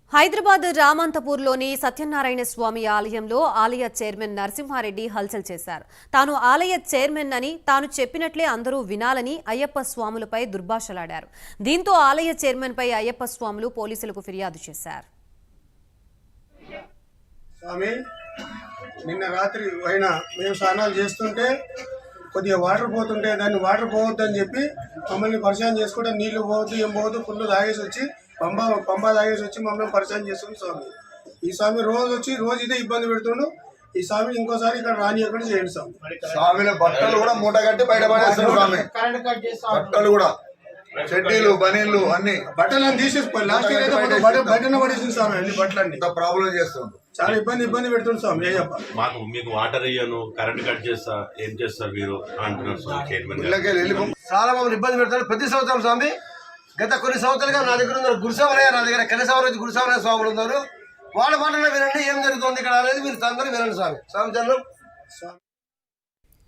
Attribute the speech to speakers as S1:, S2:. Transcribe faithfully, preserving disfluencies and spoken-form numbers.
S1: హైదరాబాద్ రామంతపూర్లోని సత్యనారాయణ స్వామి ఆలయంలో ఆలయ చైర్మన్ నరసింహారెడ్డి హల్చల్ చేశారు. తాను ఆలయ చైర్మన్ అని తాను చెప్పినట్లే అందరూ వినాలని అయ్యప్ప స్వాములపై దుర్భాషలాడారు. దీంతో ఆలయ చైర్మన్ పై అయ్యప్ప స్వాములు పోలీసులకు ఫిర్యాదు చేశారు.
S2: స్వామి, నిన్న రాత్రి అయినా మేము స్నానాలు చేస్తుంటే కొద్దిగా వాటర్ పోతుంటే దాన్ని వాటర్ పోవద్దని చెప్పి మమ్మల్ని పరిచయం చేసుకుంటే నీళ్లు పోవద్దు ఏం పోవద్దు ఫుల్ తాగేసి వచ్చి పంబ పంబ తాగేసి వచ్చి మమ్మల్ని పరిచయం చేస్తుంది స్వామి. ఈ స్వామి రోజు వచ్చి రోజు ఇదే ఇబ్బంది పెడుతుండు. ఈ స్వామి ఇంకోసారి ఇక్కడ రాని ఎక్కడ చేయండి స్వామి.
S3: స్వామిల బట్టలు కూడా మూట కట్టి బయట పడేస్తారు స్వామి. బట్టలు కూడా చెడ్డీలు బనీళ్ళు అన్ని
S2: బట్టలు తీసేసి లాస్ట్ ఇయర్ అయితే బయటనే పడేసింది స్వామి. అన్ని బట్టలన్నీ
S3: ప్రాబ్లం చేస్తుంది.
S2: చాలా ఇబ్బంది ఇబ్బంది పెడుతుంది స్వామి. ఏ చెప్ప
S4: మాకు మీకు వాటర్ ఇయ్యను, కరెంట్ కట్ చేస్తా, ఏం చేస్తారు మీరు అంటున్నారు స్వామి చైర్మన్.
S5: చాలా మమ్మల్ని ఇబ్బంది పెడతారు ప్రతి సంవత్సరం స్వామి. గత కొన్ని సంవత్సరాలుగా నా దగ్గర ఉన్నారు గురుసామరయ్య, నా దగ్గర కనసామరాజు గురుసామరయ్య స్వాములు ఉన్నారు. వాళ్ళ మాటలో వినండి ఏం జరుగుతుంది ఇక్కడ అనేది మీరు అందరూ వినండి స్వామి. స్వామి చంద్రం